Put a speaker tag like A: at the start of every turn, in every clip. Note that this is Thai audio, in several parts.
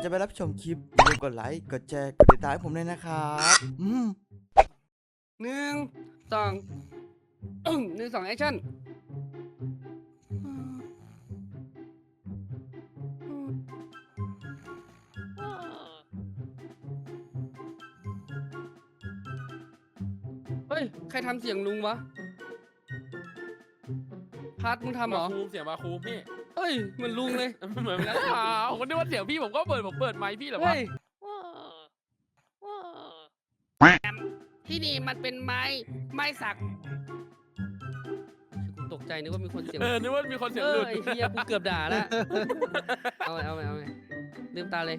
A: จะไปรับชมคลิปอย่าลืมกดไลค์กดแชร์กดติดตามให้ผมด้วยนะครับ
B: หนึ่งสองหนึ่งสองแอคชั่นเฮ้ยใครทำเสียงลุงวะพัดมึงทำเหรอ
C: เสียงมาคูมพี่
B: เฮ้ยเหมือนลุงเลย
C: เหมือนกันคนนึกว่าเสียงพี่ผมก็เปิดไมค์พี่เหรอวะ
B: เฮ้ยที่นี่มันเป็นไม้สักกูตกใจนึกว่ามีคนเสียง
C: นึกว่ามีคนเสียงหลุด
B: ไอ้เฮียกูเกือบด่าแล้วเอาไงลืมตาเลย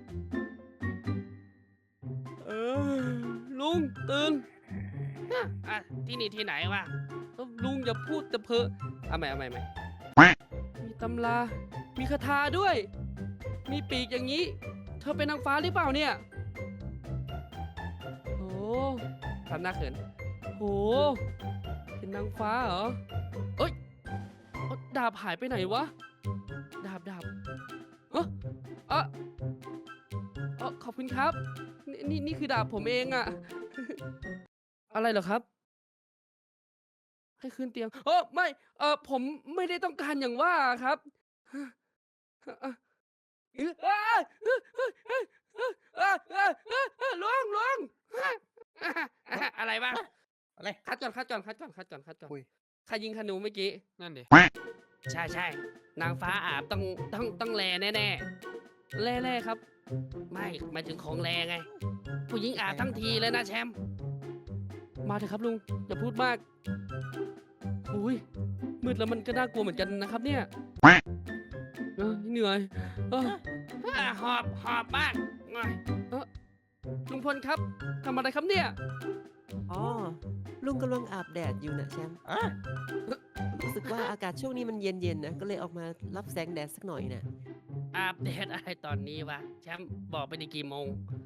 B: ลุงตื่นที่นี่ที่ไหนวะลุงอย่าพูดแต่เพ้อเอาใหม่มีตำรามีคาถาด้วยมีปีกอย่างนี้เธอเป็นนางฟ้าหรือเปล่าเนี่ยโอ้ทำหน้าเขินโอ้เป็นนางฟ้าเหรอเอ้ยดาบหายไปไหนวะดาบขอบคุณครับนี่คือดาบผมเองอะอะไรเหรอครับให้ขึ้นเตียงไม่ผมไม่ได้ต้องการอย่างว่าครับลุงอะไรบ้างอะไรคัดก่อนใครยิงธนูเมื่อกี้
C: นั่นดิ
B: ใช่นางฟ้าอาบต้องแลแน่แร่ครับไม่หมายถึงของแรงไงผู้หญิงอาบทั้งทีเลยนะแชมป์มาเถอะครับลุงอย่าพูดมากอุ้ยมืดแล้วมันก็น่ากลัวเหมือนกันนะครับเนี่ยเหนื่อยหอบมากลุงพลครับทำอะไรครับเนี่ย
D: อ๋อลุงกำลังอาบแดดอยู่นะแชมป์รู้สึกว่าอากาศช่วงนี้มันเย็นๆนะก็เลยออกมารับแสงแดดสักหน่อยนะ
B: อาบแดดอะไรตอนนี้วะแชมป์บอกไปในกี่โมง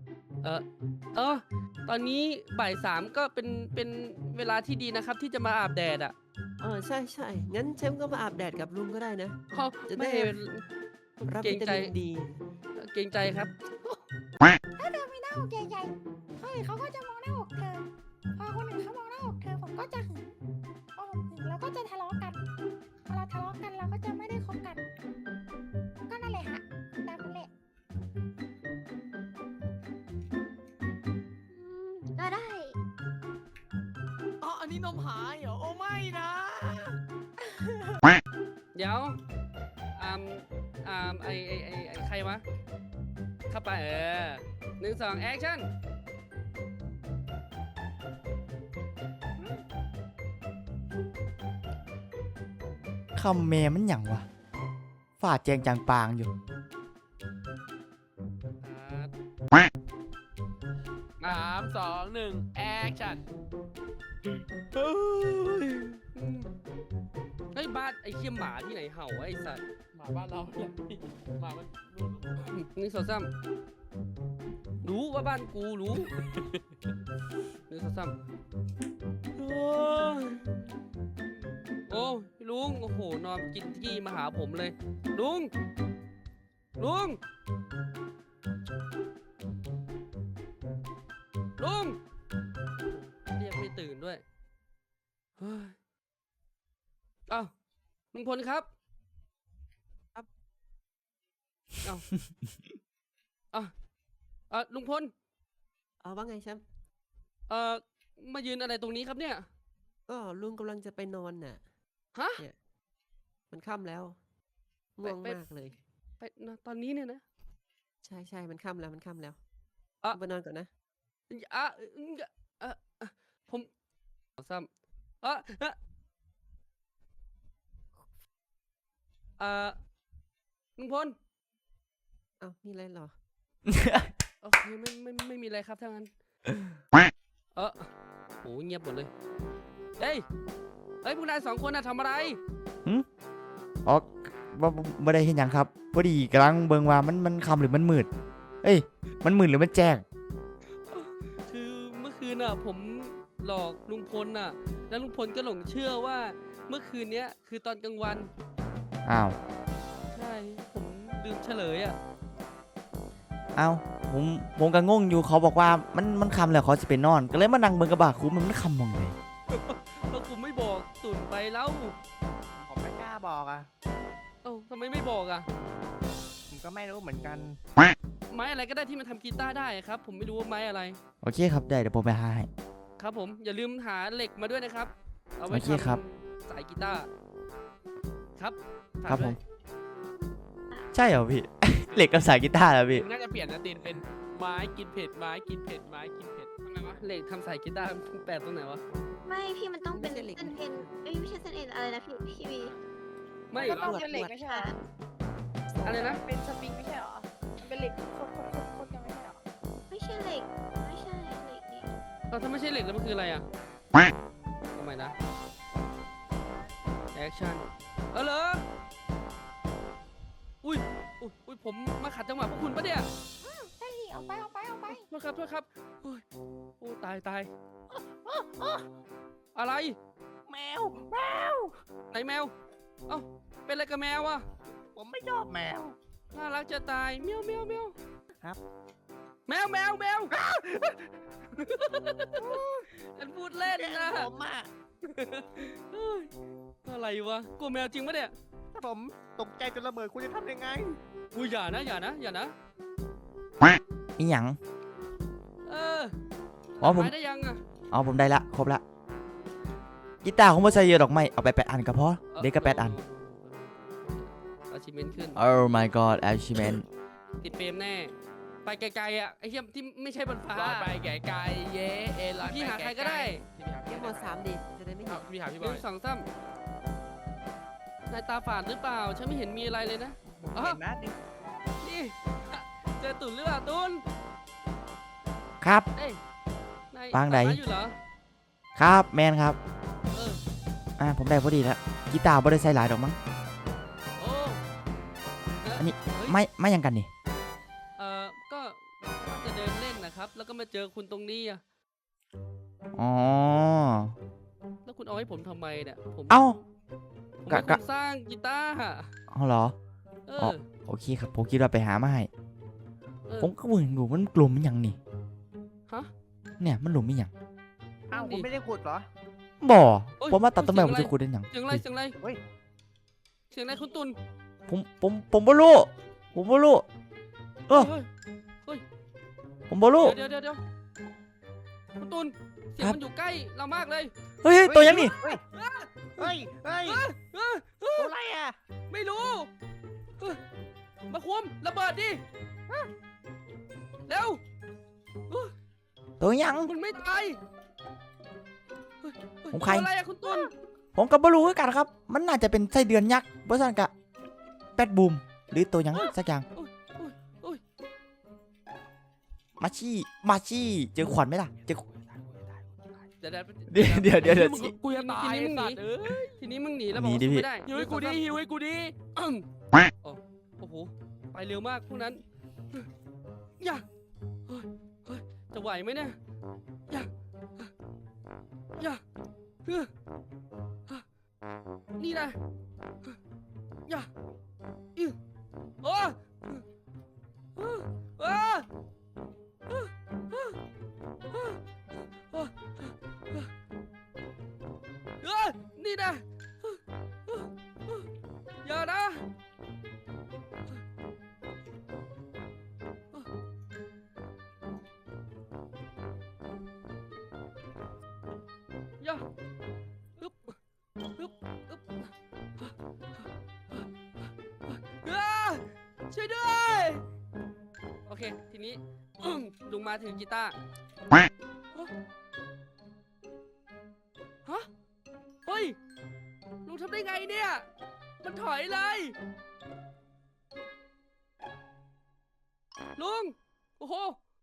B: ตอนนี้บ่าย3ก็เป็นเวลาที่ดีนะครับที่จะมาอาบแดดอ่ะ
D: ใช่งั้นแชมป์ก็มาอาบแดดกับลุงก็ได้นะจะได้รับวิตามินดี
B: เกรงใจครับ
E: ถ้าเธอมีหน้าอกใหญ่ๆคนอื่นเขาก็จะมองหน้าอกเธอพอคนอื่นเขามองหน้าอกเธอผมก็จะหึงพอผมหึงเราก็จะทะเลาะกันพอเราทะเลาะกันเราก็จะไม่ได้คบกันก็นั่นแหละฮะตามนั้นแหละก็ได้
C: อันนี้นมหายเหรอโอ้ไม่นะ
B: เดี๋ยวไอใครวะเข้าไป1 2แอคชั่น
A: คำแม่มันหยังวะฝ่าแจงจางปางอยู่
C: 3 2 1แอคชั่น
B: เฮ้ยบ้านไอ้เขี้ยมหมาที่ไหนเห่าไอ้สัตว์
C: หมาบ้านเราเนี่ยหมามัน
B: 1 2 3รู้ว่าบ้านกูรู้1 2 3โอ้ลุงโอ้โหนอนกินที่มาหาผมเลยลุงเรียกไม่ตื่นด้วยอ้าวลุงพลครับลุงพล
D: ว่าไงแชมป์
B: มายืนอะไรตรงนี้ครับเนี่ย
D: ก็ลุงกำลังจะไปนอนน่ะเนี่ยมันค่ำแล้วง่วงมากเลย
B: ไปตอนนี้เนี่ยนะ
D: ใช่มันค่ำแล้วไปนอนก่อนนะ
B: ผมซ้ำลุงพล
D: มีอะไรหรอ
B: โอเคไม่มีอะไรครับทั้งนั้นโหเงียบหมดเลยเฮ้ยพวกนาย2 คนน่ะทำอะไร
A: ไม่ได้เห็นหยังครับพอดีกำลังเบิ่งว่ามันคำหรือมันมืดมันมืดหรือมันแจ้ง
B: คือเมื่อคืนน่ะผมหลอกลุงพลน่ะแล้วลุงพลก็หลงเชื่อว่าเมื่อคืนนี้คือตอนกลางวัน
A: อ้าว
B: ใช่ผมลืมเฉลย
A: เอาผมก็งงอยู่เขาบอกว่ามันคำแล้วเขาจะไปนอน ก็เลยมานั่งเบิ่งกระบะคุ้มมันคำมองเลย
B: แล้วคุณไม่บอกตุ่นไปแล้ว
F: ผมไม่กล้าบอกอ่ะ
B: เอ้าทำไมไม่บอกอ่ะ
F: ผมก็ไม่รู้เหมือนกัน
B: ไม้อะไรก็ได้ที่มันทำกีตาร์ได้ครับ ผมไม่รู้ว่าไม้อะไร
A: โอเคครับได้เดี๋ยวผมไปหาให้
B: ครับผมอย่าลืมหาเหล็กมาด้วยนะครับ เอาไว้
A: โอเคครับ
B: ทำสายกีตาร์ครับฝาก
A: ครับผ
B: ด้ว
A: ม
B: ย
A: ใช่เหรอพี่ เหล็กกับสายกีตาร์เหรอพี่
C: น่าจะเปลี่ยนนะตีนเป็นไม้กินเผ็ดไม้กินเผ็ดไม้กินเผ็ด
B: ทำไมวะเหล็กทำสายกีตาร์แปลกตรงไหนวะ
G: ไม่พี่มันต้องเป็น
D: ไม่ใช่เหล็ก
G: เส้นเอ็นเอ้ยไม่ใช่เส้นเอ็นอะไรนะพี่วี
B: ไม่
E: ก็ต้องเป็นเหล็กไม่ใช่เหรอ
B: อะไรนะ
E: เป็นสปริงไม่ใช่เหรอมันเป็นเหล็กโคตรกันไม่ใช่เหรอ
G: ไม่ใช่เหล็กไม่ใช่เหล็กนี่
B: ถ้าไม่ใช่เหล็กแล้วมันคืออะไรอ่ะทำไมนะแอคชั่นเหรออุ้ยอุ้ยผมมาขัดจังหวะพวกคุณปะเนี่ย
E: ใช่ดิเอาไป
B: โทษครับโอ้ยโอ้ตายอะไร
F: แมว
B: ไหนแมวเอ้าเป็นอะไรกับแมวอ่ะ
F: ผมไม่ชอบแมว
B: น่ารักจะตายเมียว
F: ครับ
B: แมวฉันพูดเล่นนะ
F: ผมอ่ะ
B: เฮ้ยอะไรวะกลัวแมวจริงปะเนี่ย
F: ถ้าผมตกใจจนระเบิดคุณจะทำยังไง
B: อุ้ยอย่านะ
A: อีหยัง
B: เออ
A: อ๋อผม
B: หายได้ยังอ่ะ
A: อ๋อผมได้ละครบละกีตาร์ของผมใส่เยอะดอกไม้เอาไป8 อันก็พอเด็กก็8 อัน
B: อาชิเมนขึ้น
A: Oh my god achievement
B: ติดเฟรมแน่ ไปไกลๆอ่ะไอ้เหี้ยที่ไม่ใช่บนฟ้า
C: ลอยไปแก่ไกลเย้เอลอย
B: พี่หาใครก็ได้
D: เก็บหมด3ดิจะได้ไม่
C: พี่
D: เห็น
C: พี่หาพี่
B: ห
C: บอ
B: นึ่
C: ย
B: งสองสามนายตาฝาดหรือเปล่า ฉันไม่เห็นมีอะไรเลยนะ
F: ผม
B: อ๋อ
F: เห็นนะดิ
B: นี่ เจอตุ่นหรือเปล่าตุ่น
A: ครับ
B: เอ้ยนาย
A: ปางไหน
B: ตัดม้อยู่เหรอ
A: ครับแมนครับ
B: เออ
A: ผมได้พอดีแล้วกีตาร์บ่ได้ใส่หลายดอกมั้ง
B: โอ้เ
A: อันนี้
B: เฮ้ย
A: ไม่ยังกันนี่
B: ก็จะเดินเล่นนะครับ แล้วก็มาเจอคุณตรงนี้อ่ะ
A: อ๋อ
B: แล้วคุณเอาให้ผมทำไมเนี่ย ผม
A: เอ้า
B: ผมเป็น
A: กะ
B: คนสร้างกีตาร์อะ
A: เอาเหรอ
B: เอ
A: อ๋อ
B: อ
A: โอเคครับผมคิดว่าไปหามาให้
B: เออ
A: ผมก็เบิ่งอยู่มันกลุ่มมันหยังนี่
B: ฮะ
A: เนี่ยมันหลุมมันหยัง
F: อ้าวคุณไม่ได้ขุดเหรอ
A: บ่
B: โอ้ย
A: ผมว่าตัดต้นไม้
B: เสี
A: ผ
B: ยง
A: ม
B: อะไร
A: จะขุดได้หยัง
B: เสียงอะไรเสียงอะไร
F: เฮ้ย
B: เสียงอะไรคุณตุน
A: ผมบ่รู้ผมบ่รู้เออ
B: เฮ้ย
A: ผมบ่รู้
B: เดี๋ยวคุณตุนเสียง
A: ครับ
B: มันอยู่ใกล้เรามากเลย
A: เฮ้ยตัวยังนี่
F: เฮ้ย เฮ้ย
B: เออ
F: ตัวอะไรอ่ะ
B: ไม่รู้เออมาคุมระเบิดดิเร็ว
A: ตัวยัง
B: คุณไม่ตายเฮ้ย
A: ของใคร
B: ตัวอะไรอะคุณตุน
A: ผมก็บ่รู้คือกันครับ มันน่าจะเป็นไส้เดือนยักษ์บ่ซั่นกะแปดบูมหรือตัวหยังสักอย่าง
B: โอ้ย
A: มาชี่เจอขวัญไหมล่ะเจอ
B: เดี๋ยว
A: เดี๋ยว
C: กูจะตาย
B: ทีนี้มึงหนี
C: สัตว์เอ้ย
B: ทีนี้มึงหนีแล้ว
A: ห
B: บ
A: นี
B: อกว่า
A: ดิ
B: สู้
A: พี่
B: ไม่ได้
C: หิวให้กูดิหิวให้กูดิ
B: โอ้โหไปเร็วมากพวกนั้นอย่าเฮ้ยจะไหวไหมเนี่ยอย่านี่นะอย่าโอ้นี่นะอย่านะอย่าฮึบช่วยด้วย โอเค ทีนี้ ลุงมาถึงกีตาร์ฮะ เฮ้ย ลุงทำได้ไงเนี่ย มันถอยเลย ลุง โอ้โห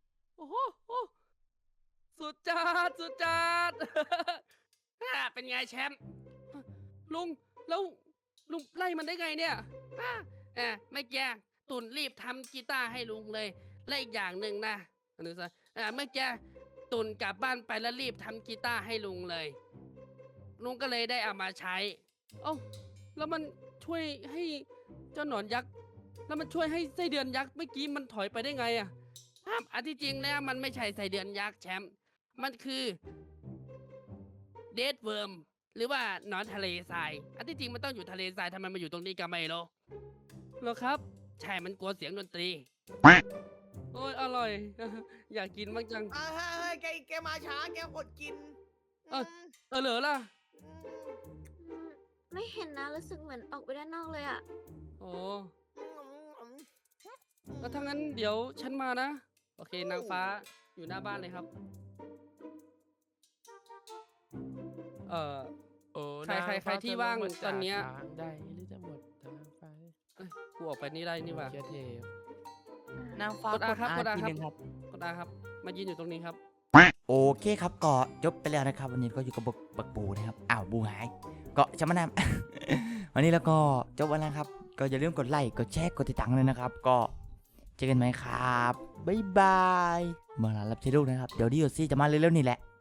B: สุดจัด เป็นไงแชมป์ ลุง แล้วลุงไล่มันได้ไงเนี่ยไม่แก่ตุนรีบทำกีตาร์ให้ลุงเลย และอีกอย่างหนึ่งนะนึกซะเมื่อกี้ตุนกลับบ้านไปแล้วรีบทำกีตาร์ให้ลุงเลย ลุงก็เลยได้เอามาใช้ เอ้าแล้วมันช่วยให้เจ้าหนอนยักษ์ แล้วมันช่วยให้ไส้เดือนยักษ์เมื่อกี้มันถอยไปได้ไงอะครับอันที่จริงแล้วมันไม่ใช่ไส้เดือนยักษ์แชมป์มันคือเดดเวิร์มหรือว่าหนอนทะเลทรายอันที่จริงมันต้องอยู่ทะเลทรายทำไมมาอยู่ตรงนี้ก็ไม่รู้เหรอครับใช่มันกลัวเสียงดนตรีโอ้ยอร่อย อยากกินบ้างจัง
F: เฮ้ยแกมาช้าแกอดกิน
B: เอ้ย เหลือล่ะ
G: ไม่เห็นนะรู้สึกเหมือนออกไปด้านนอกเลยอะ
B: โอ้แล้วถ้างั้นเดี๋ยวฉันมานะ โอเคนางฟ้าอยู่หน้าบ้านเลยครับ
C: โอ้
B: ใครที่ว่างตอนเนี้ย
C: ทางใดหรือจะหมดทางไป
B: กูออกไปนี่ได้นี่หว่า
C: เกียเทพ
D: นางฟ้าก
B: ดอาครับกดอา
D: ที
B: ครับ
D: หนึ่งครับ
B: กดอาครับ มายืนอยู่ตรงนี้ครับ
A: โอเคครับก็จบไปแล้วนะครับ วันนี้ก็อยู่กับบักบูนะครับอ้าวบูหายก็จะมานำ วันนี้แล้วก็จบวันแล้วครับ ก็อย่าลืมกดไลค์กดแชร์กดติดตามเลยนะครับ ก็เจอกันไหมครับบ๊ายบายเมื่อไหร่รับใช้ลูกนะครับเดี๋ยวดีโอซี่จะมาเร็วๆนี่แหละ